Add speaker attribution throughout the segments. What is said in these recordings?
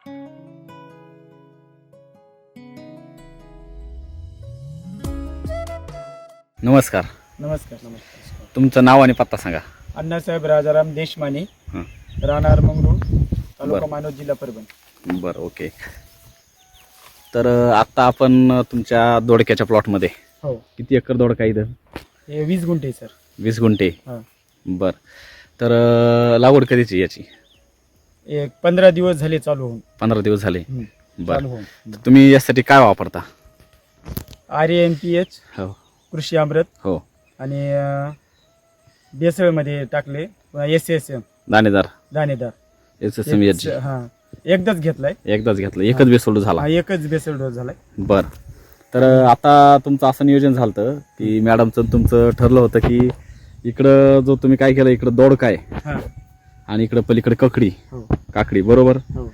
Speaker 1: नमस्कार.
Speaker 2: नमस्कार.
Speaker 1: तुमचं नाव आणि पत्ता सांगा.
Speaker 2: अण्णासाहेब राजाराम देशमाने,
Speaker 1: हं.
Speaker 2: राहणार मंगरूळ, तालुका
Speaker 1: बरं.
Speaker 2: मानवत, जिल्हा परभणी.
Speaker 1: बरं, ओके. तर आत्ता आपण तुमच्या दोडक्याच्या प्लॉटमध्ये
Speaker 2: हो,
Speaker 1: किती एकर दोडका इथं?
Speaker 2: हे 20 गुंठे सर.
Speaker 1: 20 गुंठे.
Speaker 2: हा.
Speaker 1: बरं. तर लागवड कधीची याची?
Speaker 2: एक 15 दिवस झाले चालू होऊन.
Speaker 1: 15 दिवस झाले.
Speaker 2: चालू
Speaker 1: बरं.
Speaker 2: होऊन.
Speaker 1: तर तुम्ही यासाठी काय वापरता?
Speaker 2: RAMPH,
Speaker 1: हो
Speaker 2: कृषी अमृत
Speaker 1: हो
Speaker 2: आणि बेसळमध्ये टाकले. SSM
Speaker 1: दाणेदार
Speaker 2: दाणेदार.
Speaker 1: SSM याची
Speaker 2: हा, एकदाच घेतलाय.
Speaker 1: एकदाच घेतलं, एकच बेसोड झाला.
Speaker 2: हा, एकच बेसळ डोस झालाय.
Speaker 1: बरं. तर आता तुमचं असं नियोजन झालं की मॅडमचं तुमचं ठरलं होतं की इकडं जो तुम्ही काय केलं, इकडं दोडका आहे
Speaker 2: हा.
Speaker 1: आणि इकडं पलीकडे ककडी
Speaker 2: हो.
Speaker 1: काकडी, बरोबर.
Speaker 2: हो.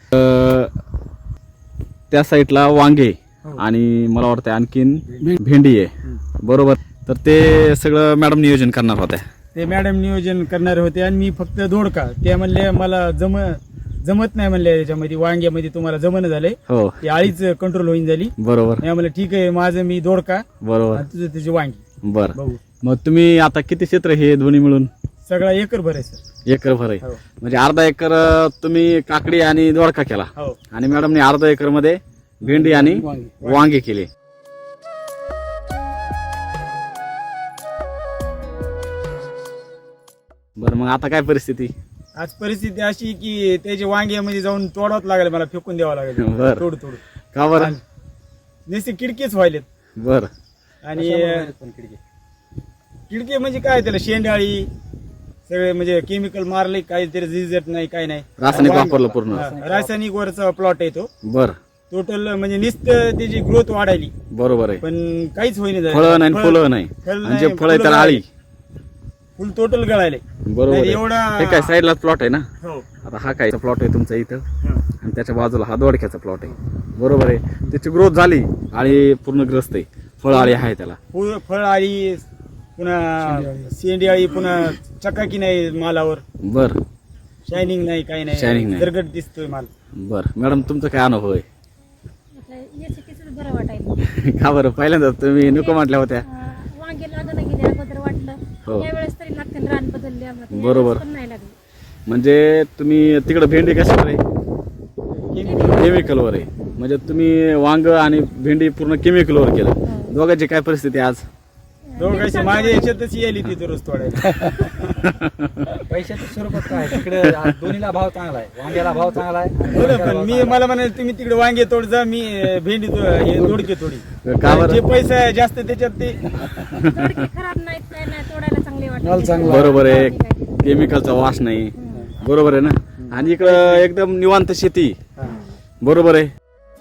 Speaker 1: त्या साईडला वांगे
Speaker 2: हो.
Speaker 1: आणि मला वाटतं आणखीन भेंडी आहे, बरोबर. तर ते सगळं मॅडम नियोजन करणार होत्या.
Speaker 2: ते मॅडम नियोजन करणारे होते आणि मी फक्त दोडका. ते म्हणले मला जमत नाही म्हणले, याच्यामध्ये वांग्यामध्ये तुम्हाला जमणं झालंय,
Speaker 1: हो
Speaker 2: ती आळीच कंट्रोल होईन झाली.
Speaker 1: बरोबर
Speaker 2: मी म्हणलं ठीक आहे, माझं मी दोडका
Speaker 1: बरोबर.
Speaker 2: आणि तुझं तुझी वांगी.
Speaker 1: बरं.
Speaker 2: बघू.
Speaker 1: मग तुम्ही आता किती क्षेत्र हे दोन्ही मिळून?
Speaker 2: सगळा एकर भर आहे सर.
Speaker 1: एकर भर आहे.
Speaker 2: हो.
Speaker 1: म्हणजे अर्धा एकर तुम्ही काकडी आणि दोडका केला
Speaker 2: हो.
Speaker 1: आणि मॅडमने अर्धा एकर मध्ये भेंडी आणि वांगे केले. बरं, मग आता काय परिस्थिती?
Speaker 2: आज परिस्थिती अशी की त्याच्या वांग्यामध्ये जाऊन तोडावं लागेल, मला फेकून द्यावं लागेल.
Speaker 1: बरं.
Speaker 2: तोड
Speaker 1: का बरं?
Speaker 2: नुसते किडकेच व्हायलेत.
Speaker 1: बरं.
Speaker 2: आणि किडके म्हणजे काय, त्याला शेंडाळी सगळे म्हणजे केमिकल मारले, काहीतरी रिझल्ट नाही, काय नाही.
Speaker 1: रासायनिक वापरलं पूर्ण.
Speaker 2: हा, रासायनिक वरचा प्लॉट आहे तो.
Speaker 1: बरं.
Speaker 2: टोटल म्हणजे नुसतं त्याची ग्रोथ वाढायली,
Speaker 1: बरोबर आहे.
Speaker 2: पण काहीच होईना.
Speaker 1: फळं नाही, फुलं नाही,
Speaker 2: फळ
Speaker 1: म्हणजे
Speaker 2: नाही,
Speaker 1: फळ आहे त्याला आळी.
Speaker 2: फुल टोटल गळायले.
Speaker 1: बरोबर
Speaker 2: नाही,
Speaker 1: आहे.
Speaker 2: एवढा
Speaker 1: हे काय साईडला प्लॉट आहे ना.
Speaker 2: हो.
Speaker 1: आता हा काय प्लॉट आहे तुमचा इथं
Speaker 2: हा.
Speaker 1: आणि त्याच्या बाजूला हा दोडक्याचा प्लॉट आहे, बरोबर आहे. त्याची ग्रोथ झाली, आळी पूर्ण ग्रस्त आहे, फळ आळी आहे त्याला.
Speaker 2: फळ आळी, पुन्हा शेंडी आळी, पुन्हा चकाकी नाही मालावर,
Speaker 1: बर.
Speaker 2: शायनिंग नाही, काही
Speaker 1: Shining
Speaker 2: नाही,
Speaker 1: नाही.
Speaker 2: दरगट दिसतोय माल.
Speaker 1: बर मॅडम, तुमचा काय अनुभव आहे?
Speaker 3: याच्याकीच बरं वाटायचं.
Speaker 1: का बरं? पहिल्यांदा तुम्ही नको म्हटल्या होत्या.
Speaker 3: वांगे लागणं गेले अगोदर वाटलं,
Speaker 1: हो.
Speaker 3: यावेळेस तरी लागते, रान बदलले आम्हाला.
Speaker 1: बरोबर.
Speaker 3: पण नाही लागले.
Speaker 1: म्हणजे तुम्ही तिकडे भेंडी कशावर आहे? केमिकलवर आहे. म्हणजे तुम्ही वांग आणि भेंडी पूर्ण केमिकलवर केलं. दोघांची काय परिस्थिती आज?
Speaker 2: दोघांची माझ्या याच्यातच येईल ती दररोज तोडायला.
Speaker 4: पैशाच्या स्वरूपात काय तिकडे दोन्हीला भाव चांगला आहे, वांग्याला भाव चांगला आहे.
Speaker 2: पण मी मला म्हणाल तुम्ही तिकडे वांगे तोड जा, मी भेंडी हे दोडके तोडी.
Speaker 1: का बरं?
Speaker 2: जे पैसा आहे जास्त त्याच्यात ते
Speaker 3: दोडके खराब नाहीत, काय नाही, तोडायला चांगले
Speaker 4: माल
Speaker 3: वाटते.
Speaker 4: चांगला.
Speaker 1: बरोबर आहे. केमिकलचा वास नाही, बरोबर आहे ना. आणि इकडं एकदम निवांत शेती, बरोबर आहे.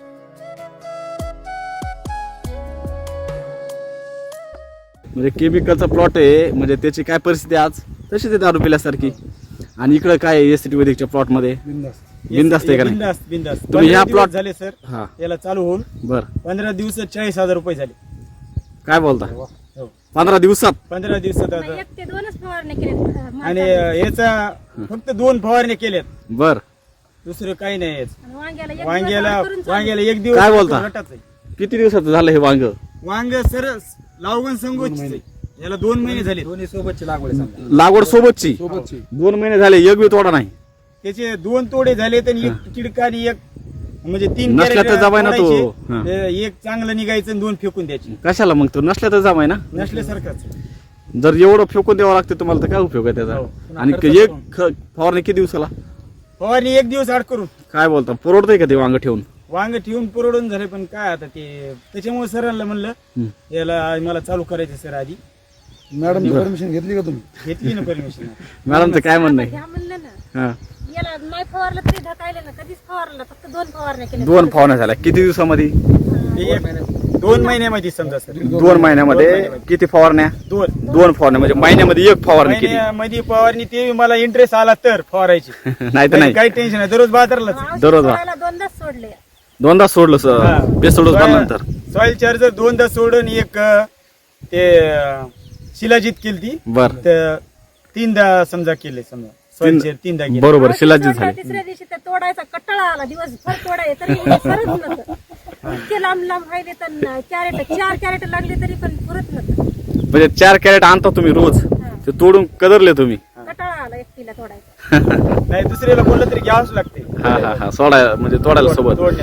Speaker 1: म्हणजे केमिकलचा प्लॉट आहे, म्हणजे त्याची काय परिस्थिती आज तशीच आहे दारू पिल्यासारखी. आणि इकडं काय एसटी वैदिकच्या प्लॉट मध्ये बिंदास्त आहे का नाही?
Speaker 2: बिंदास्त.
Speaker 1: तुम्ही ह्या
Speaker 2: 15
Speaker 1: plot-
Speaker 2: दिवस झाले सर
Speaker 1: हा.
Speaker 2: याला चालू होऊन.
Speaker 1: बर.
Speaker 2: 15 दिवसात 40,000 रुपये झाले.
Speaker 1: काय बोलता?
Speaker 2: हो.
Speaker 1: 15 दिवसात?
Speaker 2: 15 दिवसात
Speaker 3: नाही,
Speaker 2: आता.
Speaker 3: एक ते दोनच फवारण्या केल्या.
Speaker 2: आणि याचा फक्त 2 फवारण्या केल्यात,
Speaker 1: बर.
Speaker 2: दुसरं काही नाही याचं.
Speaker 3: वांग्याला एक
Speaker 2: वांग्याला
Speaker 3: दिवस करून चालू.
Speaker 2: वांग्याला 1 दिवस
Speaker 1: काय बोलता?
Speaker 2: रटाच आहे.
Speaker 1: किती दिवसाचं झालं हे वांग?
Speaker 2: वांग सर लावगण संगोच याला 2 महिने झाले.
Speaker 4: दोन्ही सोबतची लागवड आहे समजा.
Speaker 1: लागवड सोबतची
Speaker 4: सोबतची
Speaker 1: 2 महिने झाले, एक बी तोडा नाही.
Speaker 2: त्याचे 2 तोडे झाले तर एक किडका आणि एक म्हणजे 3
Speaker 1: नसल्या तर जमाय ना तो. हा.
Speaker 2: एक चांगलं निघायचं आणि 2 फेकून द्यायची.
Speaker 1: कशाला मग? तो नसल्या तर जमाय ना.
Speaker 2: नसल्यासारखंच.
Speaker 1: जर एवढं फेकून द्यावं लागते तुम्हाला तर काय उपयोग आहे त्याचा?
Speaker 2: हो.
Speaker 1: आणि एक फवारणी किती दिवसाला?
Speaker 2: फवारणी 1 दिवस आड करून.
Speaker 1: काय बोलता? परवडतंय का ते वांग ठेवून?
Speaker 2: वांग ठेवून पुरवडून झाले, पण काय आता ते त्याच्यामुळे सरांना म्हणलं याला मला चालू करायचं सर आधी.
Speaker 4: मॅडम परमिशन घेतली का तुम्ही?
Speaker 2: घेतली ना परमिशन.
Speaker 1: मॅडमचं काय म्हणणं आहे?
Speaker 3: घ्या म्हणलं ना,
Speaker 1: हा.
Speaker 3: याला नाही फवारलं तरी ढकायले ना, कधीच फवारलं, फक्त 2 फवारण्या केल्या.
Speaker 1: 2 फवारण्या झाल्या किती दिवसामध्ये?
Speaker 2: 2 महिन्यामध्ये समजा सर.
Speaker 1: 2 महिन्यामध्ये किती फवारण्या? 2 फवारण्या म्हणजे महिन्यामध्ये एक फवारणी केली.
Speaker 2: महिन्यामध्ये फवारणी ते मला इंटरेस्ट आला तर फवारायची.
Speaker 1: नाही तर नाही.
Speaker 2: काही टेन्शन नाही, दररोज बाजारला.
Speaker 3: औषध
Speaker 1: दररोज
Speaker 3: सोडायला 2दाच सोडले.
Speaker 1: 2दा सोडलं बेसोडूस बनल्यानंतर.
Speaker 2: सॉइल चार्जर 2दा सोडून एक ते शिलाजीत केली ती.
Speaker 1: बर.
Speaker 2: 3दा समजा केले, समजा तीनदा गेले.
Speaker 1: बरोबर
Speaker 3: औषध
Speaker 1: शिलाजीत
Speaker 3: सोडलं,
Speaker 1: झाले
Speaker 3: तिसऱ्या दिवशी तर तोडायचा कट्टाळा आला, दिवसभर तोडाय तरी सरत नव्हतं. इतके लांब लांब व्हायले तर चार कॅरेट लागले तरी पण पुरत नव्हतं.
Speaker 1: म्हणजे 4 कॅरेट आणता तुम्ही रोज ते तोडून कदरले तुम्ही
Speaker 3: कटाळा आला एकटीला तोडायचा.
Speaker 2: नाही दुसऱ्याला बोललं तरी घ्यावंच लागते.
Speaker 1: हा सोडायला म्हणजे तोडायला सोबत.
Speaker 2: तोडण्यात.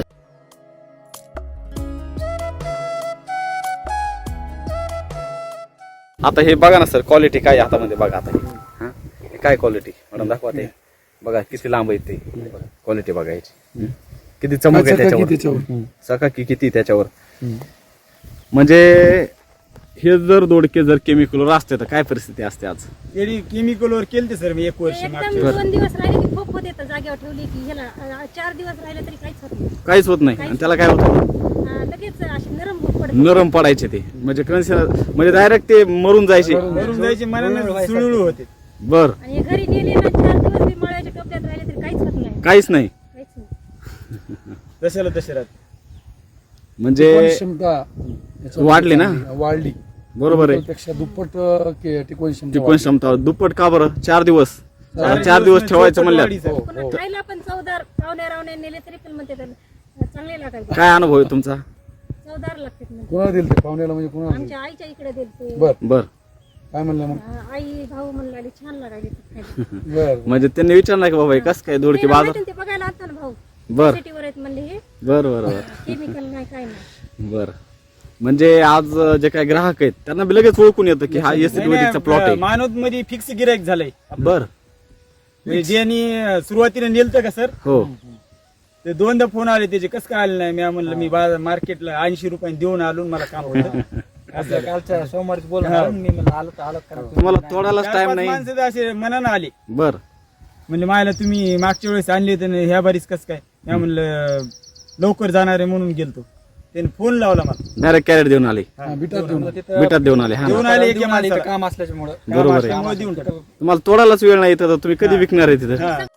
Speaker 1: आता हे बघा ना सर क्वालिटी काय आहे हातामध्ये बघा आता हा? हे काय क्वालिटी मॅडम दाखवा ते बघा किती लांब आहे ते क्वालिटी बघायची किती चमक आहे त्याच्यावर चकाकी किती त्याच्यावर म्हणजे हे जर दोडके जर केमिकलवर असते तर काय परिस्थिती असते आज
Speaker 2: तरी केमिकलवर केलते सर मी 1 वर्ष
Speaker 3: एकदम
Speaker 2: मागच्या
Speaker 3: 2 दिवस राहिले की खूप होते, तर जागेवर ठेवली की ह्याला 4 दिवस राहिले तरी काहीच होत नाही.
Speaker 1: काहीच होत नाही आणि त्याला काय होतं
Speaker 3: लगेच अशी नरम होत पडते.
Speaker 1: नरम पडायचे ते म्हणजे म्हणजे डायरेक्ट ते मरून जायचे
Speaker 2: वरून जायचे मनाने सुळुळू होते.
Speaker 1: बर
Speaker 3: आणि घरी नेले ना 4 दिवस बी मळ्याच्या टोपल्यात राहिले तरी काहीच होत नाही.
Speaker 1: काहीच नाही
Speaker 3: काहीच नाही.
Speaker 2: तशाला तसे राहते.
Speaker 1: म्हणजे
Speaker 5: क्षमता
Speaker 1: वाढली ना
Speaker 5: वाढली
Speaker 1: बरोबर आहे
Speaker 5: पेक्षा दुप्पट टिकवण क्षमता
Speaker 1: टिकवण क्षमता दुप्पट का बरं 4 दिवस 4 दिवस ठेवायचं म्हणल्यावर
Speaker 2: वाढीचं.
Speaker 3: पुन्हा खायला पण चवदार पाहुण्या नेले तरी पण म्हणते त्याला चांगले लागायचे,
Speaker 1: काय अनुभव आहे तुमचा
Speaker 3: चवदार लागते म्हणते.
Speaker 5: कोणाला दिल ते पाहुण्याला म्हणजे कोणाला
Speaker 3: आमच्या आईच्या इकडे दिलते.
Speaker 5: बर
Speaker 1: बर
Speaker 5: काय म्हणलं मग
Speaker 3: आई भाऊ म्हणले छान लागायचे ते खायला.
Speaker 5: बर
Speaker 1: म्हणजे त्यांनी विचारलं की बाबा हे कसं काय दोडके
Speaker 3: ते
Speaker 1: बाजार
Speaker 3: माहिती ना, ते बघायला आता ना भाऊ
Speaker 1: बर
Speaker 3: सिटीवर आहेत म्हणले हे
Speaker 1: बर बर बर
Speaker 3: केमिकल नाही काय नाही.
Speaker 1: बर म्हणजे आज जे काही ग्राहक आहेत त्यांना बी लगेच ओळखून येतं की हा एसिडवैदिकचा प्लॉट आहे
Speaker 2: मानवत मध्ये फिक्स गिरायक झालंय.
Speaker 1: बर
Speaker 2: म्हणजे ज्यांनी सुरुवातीला नेलतं का सर
Speaker 1: हो
Speaker 2: ते 2दा फोन आले त्याचे कसं काय आले नाही. मी म्हणलं मी मार्केटला 80 रुपयांनी देऊन आलो आणि मला काम होतं.
Speaker 4: असं कालच्या सोमवारीच बोलणार मी म्हणलं आलं तर आलं कारण
Speaker 1: तुम्हाला तोडायलाच टाइम
Speaker 2: 4-5
Speaker 1: नाही
Speaker 2: माणसं तर असे मनानं आले.
Speaker 1: बर
Speaker 2: म्हणजे मायला तुम्ही मागच्या वेळेस आणले होते ना ह्या बारीच कसं काय. मी म्हणलं लवकर जाणार आहे म्हणून गेलतो. त्याने फोन लावला मला.
Speaker 1: डायरेक्ट कॅरेट देऊन आले
Speaker 5: बिटात देऊन
Speaker 1: बिटात देऊन आले हा
Speaker 2: देऊन
Speaker 1: ना.
Speaker 2: आले
Speaker 4: देऊन
Speaker 2: एका
Speaker 4: आले इथं
Speaker 2: माणसाला.
Speaker 4: काम असल्यामुळे
Speaker 1: बरोबर आहे
Speaker 2: त्यामुळे देऊन टाका.
Speaker 1: तुम्हाला तोडायलाच वेळ नाही तर तुम्ही कधी विकणार आहे तिथं
Speaker 2: हा.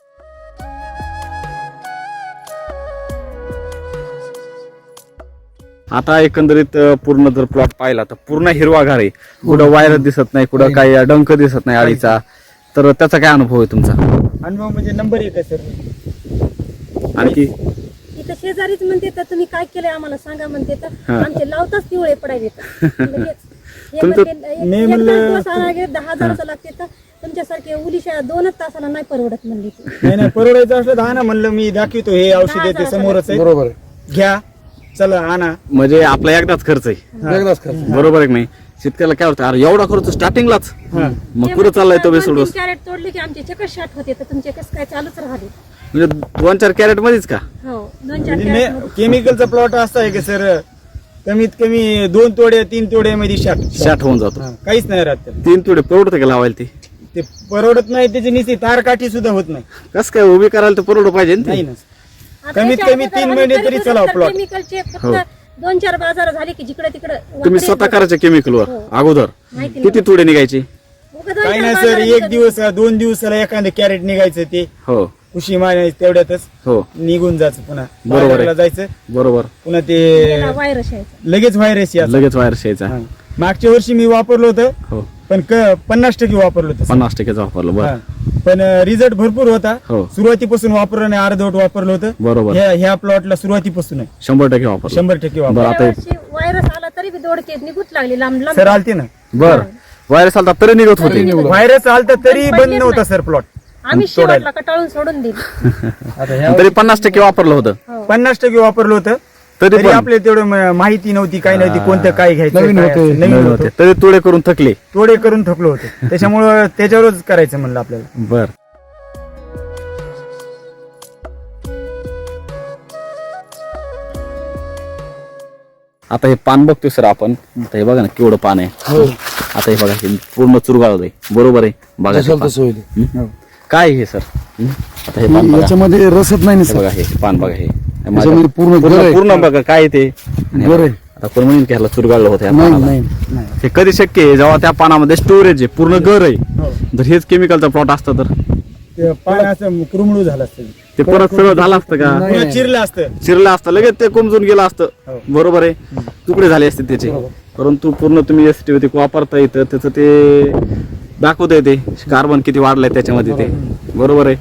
Speaker 1: आता एकंदरीत पूर्ण जर प्लॉट पाहिला तर पूर्ण हिरवागार आहे कुठं वायर दिसत नाही कुठं काही डंक दिसत नाही आळीचा तर त्याचा काय अनुभव आहे तुमचा
Speaker 2: अनुभव म्हणजे नंबर 1 आहे सर.
Speaker 1: आणखी
Speaker 3: इथं शेजारीच म्हणते तर तुम्ही काय केलंय आम्हाला सांगा म्हणते तर
Speaker 1: हा.
Speaker 3: आमचे लावताच पिवळे पडायचे लगेच. हे
Speaker 1: तुमचं-
Speaker 3: म्हणते, एक-
Speaker 1: मी
Speaker 3: एक
Speaker 1: म्हणलं-
Speaker 3: दिवस आणायला गेले 10,000 लागते तर तुमच्यासारखे उलिशा 2 तासाला नाही परवडत म्हणली ती.
Speaker 2: नाही परवडायचं असलं तर आणा म्हणलं मी दाखवतो हे औषध आहे ते समोरच आहे
Speaker 5: बरोबर आहे
Speaker 2: घ्या चला आणा.
Speaker 1: म्हणजे आपला एकदाच खर्च आहे
Speaker 5: वेगळाच खर्च
Speaker 1: बरोबर आहे की नाही शेतकऱ्याला काय होतं अरे एवढा खर्च स्टार्टिंगलाच मग कुठं चाललाय तो बेसोड
Speaker 3: 2-3 कॅरेट तोडले की आमचे चक्कर शाट होते तर तुमचे कसं काय चालूच राहिले.
Speaker 1: म्हणजे 2-4 कॅरेट मध्येच का
Speaker 3: हो 2-4
Speaker 2: म्हणजे
Speaker 3: कॅरेट
Speaker 2: केमिकलचा प्लॉट असा आहे की सर कमीत कमी 2 तोडे 3 तोड्यामध्ये
Speaker 1: शाट होऊन जातो
Speaker 2: काहीच नाही राहत त्याला.
Speaker 1: 3 तोडे परवडतं का लावायला
Speaker 2: ते परवडत नाही त्याची निस्ती तारकाठी सुद्धा होत नाही.
Speaker 1: कसं काय उभी करायला तर परवड पाहिजे ना
Speaker 2: नाही
Speaker 1: ते.
Speaker 2: ना कमीत कमी 3 महिने तरी चलाव प्लॉट.
Speaker 3: केमिकलचे
Speaker 1: हो.
Speaker 3: फक्त 2-4 बाजार झाले की जिकडे तिकडे
Speaker 1: तुम्ही स्वतः करायच्या केमिकलवर
Speaker 3: हो.
Speaker 1: अगोदर
Speaker 3: माहिती
Speaker 1: किती तोडे निघायचे
Speaker 2: काही नाही सर 1 दिवस 2 दिवसाला एखादं कॅरेट निघायचं ते
Speaker 1: हो
Speaker 2: खुशी मानायची तेवढ्यातच
Speaker 1: हो
Speaker 2: निघून जायचं पुन्हा
Speaker 1: बरोबर आहे.
Speaker 2: बाजाराला जायचं
Speaker 1: बरोबर
Speaker 2: पुन्हा ते
Speaker 3: व्हायरस यायचा.
Speaker 2: लगेच व्हायरस यायचं.
Speaker 1: लगेच वायर यायचा
Speaker 2: मागच्या वर्षी मी वापरलं होतं
Speaker 1: हो
Speaker 2: पण 50% वापरलं होतं
Speaker 1: 50% वापरलं बरं
Speaker 2: हा. पण रिझल्ट भरपूर होता.
Speaker 1: हो.
Speaker 2: सुरुवातीपासून वापरलं नाही अर्धवट वापरलं होतं.
Speaker 1: बरोबर
Speaker 2: ह्या प्लॉटला सुरुवातीपासून आहे
Speaker 1: 100% वापरलं
Speaker 2: 100% वापर.
Speaker 1: बरं आता
Speaker 3: यावर्षी व्हायरस आला तरी बी दोडके निघूच लागले लांब लांब.
Speaker 2: सर आलते ना
Speaker 1: बर वायर चालतात तरी निघत होते
Speaker 2: व्हायरस आलता तरी बंद नव्हता सर प्लॉट.
Speaker 3: आम्ही शेवटला कटाळून सोडून दिली.
Speaker 4: आता ह्या
Speaker 1: तरी 50% वापरलं होतं
Speaker 2: 50% वापरलं होतं
Speaker 1: तरी
Speaker 2: तरी
Speaker 1: पण
Speaker 2: आपल्याला तेवढं माहिती नव्हती काही नव्हती कोणतं काय घ्यायचं
Speaker 5: नवीन
Speaker 2: काय
Speaker 5: होते.
Speaker 2: असं. नवीन
Speaker 1: नवीन
Speaker 2: होतं
Speaker 1: होते तरी तोडे करून थकले
Speaker 2: तोडे करून थकलो होतो त्याच्यामुळं त्याच्यावरच करायचं म्हणलं आपल्याला.
Speaker 1: बर आता हे पान बघतोय सर आपण आता हे बघा ना केवढं पान आहे आता हे बघा हे पूर्ण चुरगाळत आहे बरोबर आहे बघा हे
Speaker 5: जशाल
Speaker 1: पान.
Speaker 5: तसं होईल
Speaker 1: हं? काय हे सर आता हे पान बघा
Speaker 5: याच्यामध्ये रसच नाही
Speaker 1: हे
Speaker 5: सर
Speaker 1: बघा हे पान बघा हे
Speaker 5: याच्यामध्ये पूर्ण गर आहे.
Speaker 1: पूर्ण बघा काय ते आणि हे
Speaker 5: गर
Speaker 1: बघा,
Speaker 5: आहे.
Speaker 1: आता कोण म्हणून की ह्याला चुरगाळलं होतं या
Speaker 5: नाही
Speaker 1: पानाला.
Speaker 5: नाही
Speaker 1: हे कधी शक्य आहे जेव्हा त्या पानामध्ये स्टोरेज आहे पूर्ण गर आहे
Speaker 2: हो.
Speaker 1: जर हेच केमिकलचा प्लॉट असता तर
Speaker 2: ते पान असं कुरमळू झालं असतं
Speaker 1: ते परत सगळं झालं असतं का
Speaker 5: नाही.
Speaker 2: पुन्हा चिरलं असतं.
Speaker 1: चिरलं असतं लगेच ते कोमजून गेलं असतं
Speaker 2: हो.
Speaker 1: बरोबर आहे तुकडे झाले असते त्याचे परंतु पूर्ण तुम्ही एसटी वापरता येतं त्याचं ते दाखवतंय ते कार्बन किती वाढलंय त्याच्यामध्ये ते बरोबर आहे.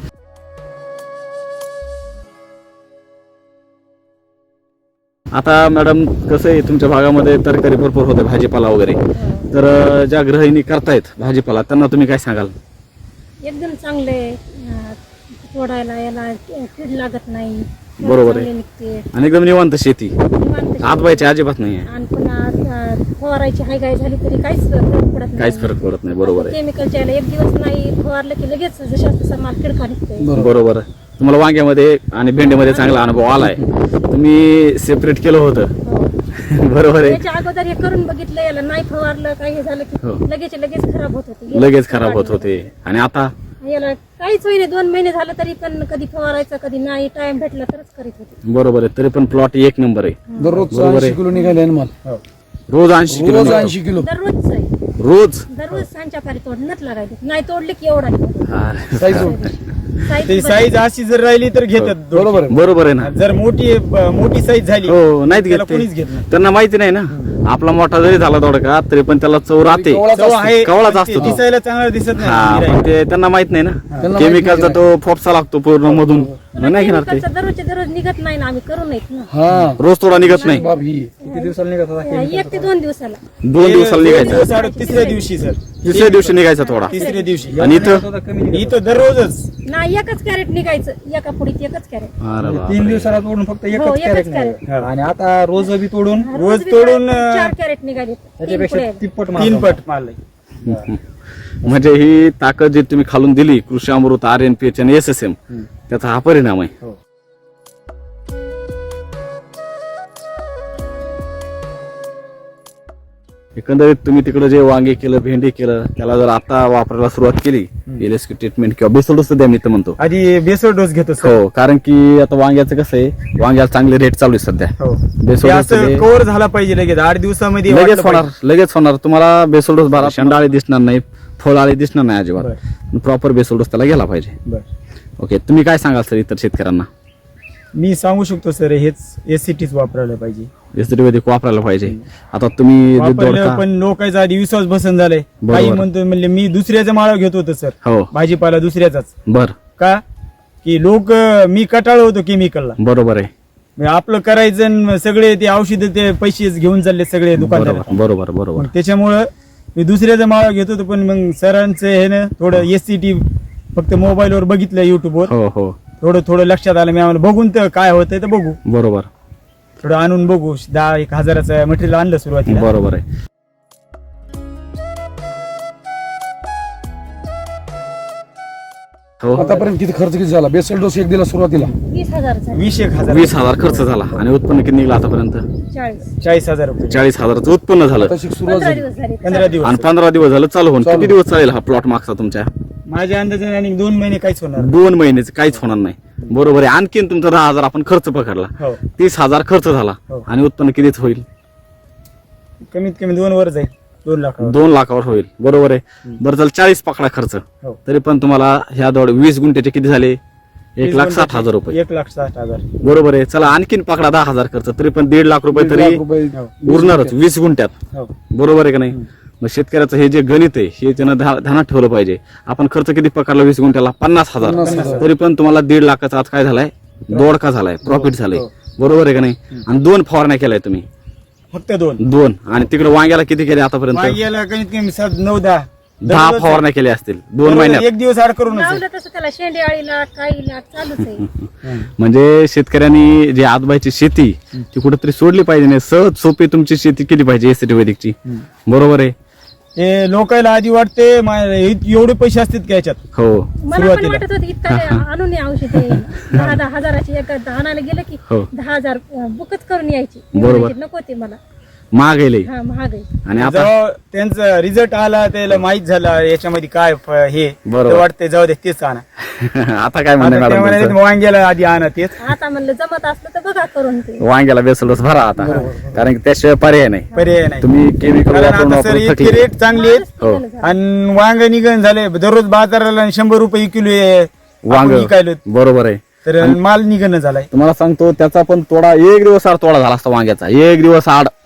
Speaker 1: आता मॅडम कसं आहे तुमच्या भागामध्ये तरकारी भरपूर होते भाजीपाला वगैरे, तर ज्या गृहिणी करतायत भाजीपाला त्यांना तुम्ही काय सांगाल?
Speaker 3: एकदम चांगले तोडायला याला कीड लागत नाही.
Speaker 1: बरोबर आहे.
Speaker 3: चांगले निघते.
Speaker 1: आणि एकदम निवांत शेती,
Speaker 3: निवांत
Speaker 1: आतबायची अजिबात नाहीये,
Speaker 3: आणि पुन्हा फवारायची हायगाय झाली तरी काहीच फरक पडत नाही.
Speaker 1: काहीच फरक पडत नाही. बरोबर आहे.
Speaker 3: केमिकलच्या याला एक दिवस नाही फवारलं की लगेच जशा तसा माल किडका निघतोय.
Speaker 1: बरोबर आहे. तुम्हाला वांग्यामध्ये आणि भेंडीमध्ये चांगला अनुभव आलाय, तुम्ही सेपरेट केलं होतं.
Speaker 3: हो.
Speaker 1: बरोबर आहे.
Speaker 3: त्याच्या अगोदर हे करून बघितलं, याला नाही फवारलं काही हे झालं की
Speaker 1: हो.
Speaker 3: लगेच खराब होत होते.
Speaker 1: लगेच खराब होत होते. आणि आता
Speaker 3: याला काहीच होईने 2 महिने झालं तरी पण कधी फवारायचं कधी नाही, टाइम भेटला तरच करीत होते.
Speaker 1: बरोबर आहे. तरी पण प्लॉट एक नंबर आहे.
Speaker 5: दररोज
Speaker 1: बरोबर आहे.
Speaker 5: 80 किलो निघाले ना माल.
Speaker 1: रोज 80 किलो
Speaker 5: रोज
Speaker 1: निघतो.
Speaker 5: 80 किलो.
Speaker 3: दररोजच आहे.
Speaker 1: रोज
Speaker 3: सांच्या पारी तोडणंच लागायचं, नाही तोडले की एवढा निघतो.
Speaker 1: अरे,
Speaker 2: ती साईज अशी जर राहिली तर घेतात दोडके.
Speaker 5: बरोबर आहे.
Speaker 1: बरोबर आहे ना.
Speaker 2: जर मोठी साईज झाली
Speaker 1: हो नाहीत घेत
Speaker 2: त्याला
Speaker 1: ते.
Speaker 2: कोणीच घेत नाही.
Speaker 1: त्यांना माहिती नाही ना, आपला मोठा जरी झाला दोडका तरी पण त्याला चव राहते.
Speaker 2: चव आहे,
Speaker 1: कवळाच
Speaker 2: पण
Speaker 1: असतो
Speaker 2: ते
Speaker 1: तो.
Speaker 2: दिसायला चांगला दिसत
Speaker 1: हा
Speaker 2: नाही.
Speaker 1: पण ते त्यांना माहित नाही ना,
Speaker 5: त्यांना
Speaker 1: केमिकलचा
Speaker 5: माहित
Speaker 1: तो फोपसा लागतो पूर्ण मधून, नाही घेणार ते.
Speaker 3: केमिकलचं दररोज निघत नाही ना, आम्ही करू नयेत ना.
Speaker 5: हा
Speaker 1: रोज थोडा निघत नाही,
Speaker 5: बाब ही
Speaker 4: किती दिवसाला निघत होता?
Speaker 3: 1 ते 2 दिवसाला.
Speaker 1: 2 दिवसाला निघायचा,
Speaker 2: तिसऱ्या दिवशी सर,
Speaker 1: तिसऱ्या दिवशी निघायचा थोडा.
Speaker 2: तिसऱ्या दिवशी.
Speaker 1: आणि इथं
Speaker 2: इथं दररोजच
Speaker 3: नाही एकच कॅरेट निघायचं, एका पुढीत एकच कॅरेट.
Speaker 1: अरे बापरे.
Speaker 4: 3 दिवसाला तोडून फक्त
Speaker 3: हो,
Speaker 4: एकच
Speaker 3: एकच
Speaker 4: कॅरेट
Speaker 3: कॅरेट.
Speaker 4: नाही. आणि आता रोज बी तोडून
Speaker 2: रोज तोडून
Speaker 3: 4 कॅरेट निघाले.
Speaker 4: त्याच्यापेक्षा तिप्पट माल
Speaker 2: 3 पट माल आहे.
Speaker 1: म्हणजे ही ताकद जी तुम्ही खालून दिली कृषी अमृत, RNPH आणि SSM, त्याचा हा परिणाम आहे.
Speaker 2: हो.
Speaker 1: एकंदरीत तुम्ही तिकडे जे वांगे केलं, भेंडी केलं, त्याला जर आता वापरायला सुरुवात केली, LSQ ट्रीटमेंट किंवा बेसोडोस द्या मी तर म्हणतो.
Speaker 2: आधी बेसळ डोस घेतो सर.
Speaker 1: हो, कारण की आता वांग्याचं कसं आहे, वांग्याला चांगले रेट चालू आहे सध्या.
Speaker 2: हो. ते
Speaker 1: बेसोडोस
Speaker 2: असं कव्हर झाला पाहिजे लगेच 8 दिवसामध्ये
Speaker 1: लगेच
Speaker 2: वाटलं
Speaker 1: होणार,
Speaker 2: पाहिजे.
Speaker 1: लगेच होणार. तुम्हाला बेसोडोस भरा, शेंडाळे दिसणार नाही, फळाळे दिसणार नाही
Speaker 2: बरं.
Speaker 1: अजिबात. प्रॉपर बेसोडोस त्याला गेला पाहिजे.
Speaker 2: बरं.
Speaker 1: ओके, तुम्ही काय सांगाल सर इतर शेतकऱ्यांना?
Speaker 2: मी सांगू शकतो सर, हेच SCTच वापरायला पाहिजे.
Speaker 1: एसटीवैदिक वापरायला पाहिजे. आता तुम्ही जे
Speaker 2: वापरलं
Speaker 1: दोडका,
Speaker 2: पण लोकांचा आधी विश्वास बसन झालाय.
Speaker 1: बरोबर.
Speaker 2: काही म्हणतो म्हणले मी दुसऱ्याचा माळा घेत होतो सर,
Speaker 1: हो
Speaker 2: भाजीपाला दुसऱ्याचाच.
Speaker 1: बर,
Speaker 2: का की लोक मी कटाळ होतो केमिकलला.
Speaker 1: बरोबर आहे.
Speaker 2: मग आपलं करायचं आणि सगळे ते औषध ते पैसे घेऊन चालले सगळे दुकानदार.
Speaker 1: बरोबर बरोबर बरोबर.
Speaker 2: मग त्याच्यामुळं मी दुसऱ्याचा माळा घेत होतो, पण मग सरांचं हे ना थोडं SCT फक्त मोबाईलवर बघितलं, युट्यूबवर
Speaker 1: हो हो
Speaker 2: थोडं लक्षात आलं. मी आम्हाला बघून तर काय होतंय तर बघू,
Speaker 1: बरोबर
Speaker 2: थोडं आणून बघू. 10-1 हजाराचं मटेरियल आणलं सुरुवातीला.
Speaker 1: बरोबर आहे. हो,
Speaker 5: आतापर्यंत किती खर्च किती झाला? बेसल डोस एक दिला सुरुवातीला
Speaker 3: 20,000 झाले.
Speaker 2: 20,000
Speaker 1: 20,000 खर्च झाला आणि उत्पन्न किती निघलं आतापर्यंत?
Speaker 3: 40
Speaker 2: रुपये.
Speaker 1: 40,000चं उत्पन्न झालं.
Speaker 5: तशी सुरुवात
Speaker 3: 15
Speaker 5: झाली.
Speaker 3: दिवस झाले.
Speaker 2: 15 दिवस.
Speaker 1: आणि 15 दिवस झालं चालू होऊन.
Speaker 5: चालू.
Speaker 1: किती दिवस चालेल हा प्लॉट मागचा तुमच्या?
Speaker 2: माझ्या अंदाजाने आणि 2 महिने काहीच होणार नाही.
Speaker 1: 2 महिन्याचं काहीच होणार नाही. बरोबर आहे. आणखीन तुमचा 10,000 आपण खर्च पकडला,
Speaker 2: हो.
Speaker 1: 30,000 खर्च झाला
Speaker 2: हो.
Speaker 1: आणि उत्पन्न कितीच होईल?
Speaker 2: कमीत कमी 2 वर जाईल, 2 लाख.
Speaker 1: 2 लाखावर होईल. बरोबर आहे. बरं झालं 40 पकडा खर्च,
Speaker 2: हो.
Speaker 1: तरी पण तुम्हाला ह्या 20 गुंठ्याचे किती झाले? 1,60,000 रुपये.
Speaker 2: 1,60,000.
Speaker 1: बरोबर आहे. चला आणखीन पकडा 10,000 खर्च, तरी पण 1.5 लाख रुपये
Speaker 5: 1.5
Speaker 1: तरी
Speaker 5: लाख रुपये
Speaker 1: उरणारच 20 गुंठ्यात.
Speaker 2: हो.
Speaker 1: बरोबर आहे का नाही? मग शेतकऱ्याचं हे जे गणित आहे हे त्यानं ध्यानात ठेवलं पाहिजे. आपण खर्च किती पकडला 20 गुंठ्याला? 50,000.
Speaker 5: 50,000.
Speaker 1: तरी पण तुम्हाला 1.5 लाखाचा आज काय झालाय? दोडका झालाय, प्रॉफिट झालंय. बरोबर आहे का नाही? आणि 2 फवारण्या केलाय तुम्ही.
Speaker 2: फक्त 2.
Speaker 1: 2 आणि तिकडे वांग्याला किती केले आतापर्यंत?
Speaker 2: वांग्याला कमीत कमी 9-10
Speaker 1: 10 फवारण्या केल्या असतील 2 महिन्यात.
Speaker 2: एक दिवस आड करूनच आहे.
Speaker 3: लावलं तसं त्याला शेंडे आळीला काहीला चालूच आहे.
Speaker 1: म्हणजे शेतकऱ्यांनी जी आजबाईची शेती ती कुठेतरी सोडली पाहिजे नाही. सहज सोपी तुमची शेती केली पाहिजे एसटी वैदिकची. बरोबर आहे.
Speaker 2: हे लोकांना आधी वाटते एवढे पैसे असतात का याच्यात.
Speaker 1: हो
Speaker 3: मला पण
Speaker 2: सुरुवातीला.
Speaker 3: वाटत होतं इतका आणून औषध 10 हजाराची एक आणायला गेलं की
Speaker 1: हो.
Speaker 3: 10,000 बुकच करून यायची. मी
Speaker 1: बरोबर.
Speaker 3: म्हणायची, नको ते मला
Speaker 1: महाग आहे लई.
Speaker 3: हा महाग आहे.
Speaker 1: आणि आता
Speaker 2: जेव्हा त्यांचा रिझल्ट आला त्याला माहित झाला याच्यामध्ये काय हे
Speaker 1: बरोबर.
Speaker 2: तर वाटते जाऊ दे तेच आणा.
Speaker 1: आता काय म्हणणं
Speaker 2: आता ते
Speaker 1: मॅडम
Speaker 2: म्हणाले,
Speaker 1: तुमचं?
Speaker 2: वांग्याला आधी आणा तेच.
Speaker 3: आता म्हणलं जमत असलं तर बघा करून ते.
Speaker 1: वांग्याला बेसलच भरा आता, कारण की त्याशिवाय पर्याय नाही.
Speaker 2: पर्याय नाही.
Speaker 1: तुम्ही केमिकल
Speaker 2: कारण
Speaker 1: वापरून
Speaker 2: आता सर
Speaker 1: वापरून
Speaker 2: इतके
Speaker 1: थकले.
Speaker 2: रेट चांगले आहेत.
Speaker 1: हो.
Speaker 2: आणि वांग निघण झाले दररोज बाजाराला 100 रुपये किलो
Speaker 1: वांग
Speaker 2: विकायलो,
Speaker 1: बरोबर आहे.
Speaker 2: तर माल निघणं झालाय.
Speaker 1: तुम्हाला सांगतो त्याचा पण तोडा 1 दिवस आड तोडा झाला असता वांग्याचा. 1 दिवस आड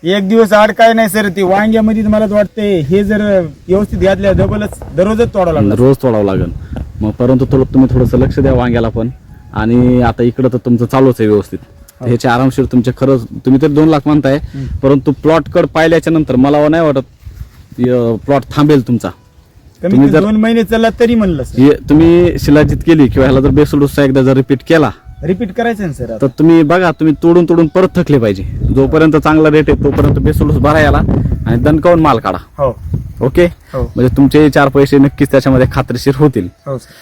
Speaker 2: एक दिवस आड काय नाही सर, ते वांग्यामध्ये मला वाटतंय हे जर व्यवस्थित घातल्या डबलच दररोजच तोडावं लागलं.
Speaker 1: रोज तोडावं लागेल. मग परंतु तुम्ही थोडंसं लक्ष द्या वांग्याला पण. आणि आता इकडं तर तुमचं चालूच आहे व्यवस्थित. ह्याचे आरामशीर तुमचे खरंच तुम्ही तर 2 लाख म्हणताय, परंतु प्लॉट कड पाहिल्याच्या नंतर मला नाही वाटत प्लॉट थांबेल तुमचा.
Speaker 2: कमी 2 महिने चालला तरी म्हणलं सर.
Speaker 1: तुम्ही शिलाजीत केली किंवा ह्याला जर बेसल डोसचा एकदा जर रिपीट केला
Speaker 2: रिपीट करायचं ना सर.
Speaker 1: तर तुम्ही बघा, तुम्ही तोडून परत थकले पाहिजे. जोपर्यंत चांगला रेट आहे तोपर्यंत बेसल डोस भरा याला आणि दणकावून माल काढा.
Speaker 2: हो
Speaker 1: ओके.
Speaker 2: हो
Speaker 1: म्हणजे तुमचे 4 पैसे नक्कीच त्याच्यामध्ये खात्रीशीर होतील.
Speaker 2: हो सर.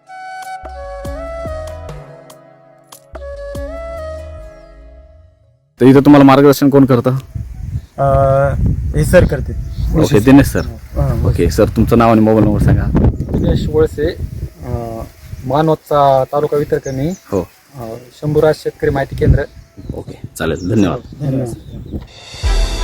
Speaker 1: तर इथं तुम्हाला मार्गदर्शन कोण करतं?
Speaker 2: हे सर करते.
Speaker 1: Okay, Dinesh sir. Okay sir, तुमचं नाव आणि मोबाईल नंबर सांगा.
Speaker 4: दिनेश वळसे, मानवतचा तालुका वितरकणी,
Speaker 1: हो.
Speaker 4: शंभूराज शेतकरी माहिती केंद्र.
Speaker 1: ओके, चालेल. धन्यवाद.
Speaker 2: धन्यवाद.